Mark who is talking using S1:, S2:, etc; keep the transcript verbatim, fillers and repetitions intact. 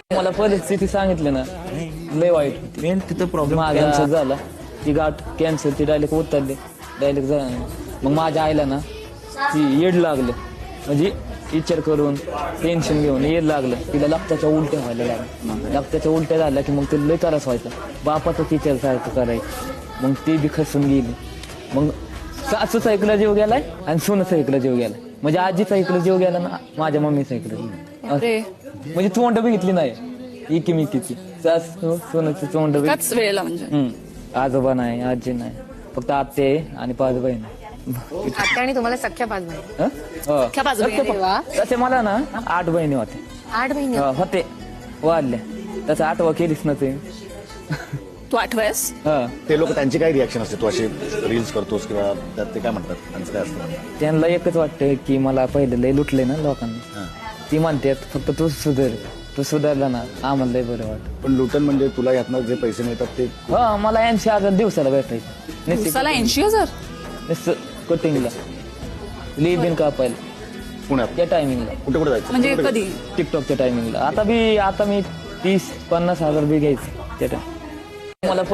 S1: मला परिस्थिती सांगितली ना लय वाईट होती.
S2: मेन तिथं प्रॉब्लेम
S1: कॅन्सर झाला, ती गाठ कॅन्सर ती डायरेक्ट उतरली डायरेक्ट झाला. मग माझ्या आईला ना ती येड लागलं, म्हणजे विचार करून टेन्शन घेऊन येड लागलं. तिला रक्ताच्या उलट्या व्हायला लागल्या. रक्ताच्या उलट्या झाल्या की मग ते लय त्रास व्हायचा. बापाचं टीचर सारखं करायचं. मग ती बी खसून गेली. मग सासू सायकला जीव गेलाय आणि सोनं सायकला जीव गेलाय. म्हणजे आजीचा इकडे जीव गेला ना, माझ्या मम्मीचा इकडे. म्हणजे तोंड बघितली नाही इकिमिकीची. सासू सोनाची तोंड
S3: त्याच वेळेला म्हणजे
S1: हम्म आजोबा नाही, आजी नाही, फक्त आते आणि पाच बहीण.
S4: आत्या आणि तुम्हाला सख्या पाच बहिणी.
S3: सख्या पाच बहिणी.
S4: अरे वा.
S1: तसे मला ना आठ बहिणी होते.
S4: आठ बहिणी
S1: हा, होते वाढल्या. तसं आठवा केलीच ना ते.
S3: तू आठवायस
S1: हा,
S5: ते लोक त्यांची काय रिॲक्शन असते? तू असे रील्स करतोस किंवा त्यात ते काय म्हणतात? त्यांचं काय असतं?
S1: त्यांना एकच वाटतं की मला पहिले लय लुटले ना लोकांनी. ती म्हणतात फक्त तू सुधार, तू सुधारला ना आम्हाला लय बरं वाटत.
S5: पण लुटन म्हणजे तुला यातनं जे पैसे मिळतात ते
S1: हा, मला ऐंशी हजार दिवसाला भेटायचे.
S3: दिवसाला ऐंशी हजार
S1: नुसतं कटिंगला लिबिन कापायला
S5: पुण्यात
S1: त्या टायमिंगला,
S5: कुठे कुठे जायचं?
S3: म्हणजे कधी
S1: टिकटॉकच्या टायमिंगला. आता बी आता मी तीस पन्नास हजार बी घ्यायचं त्या टाइम. मला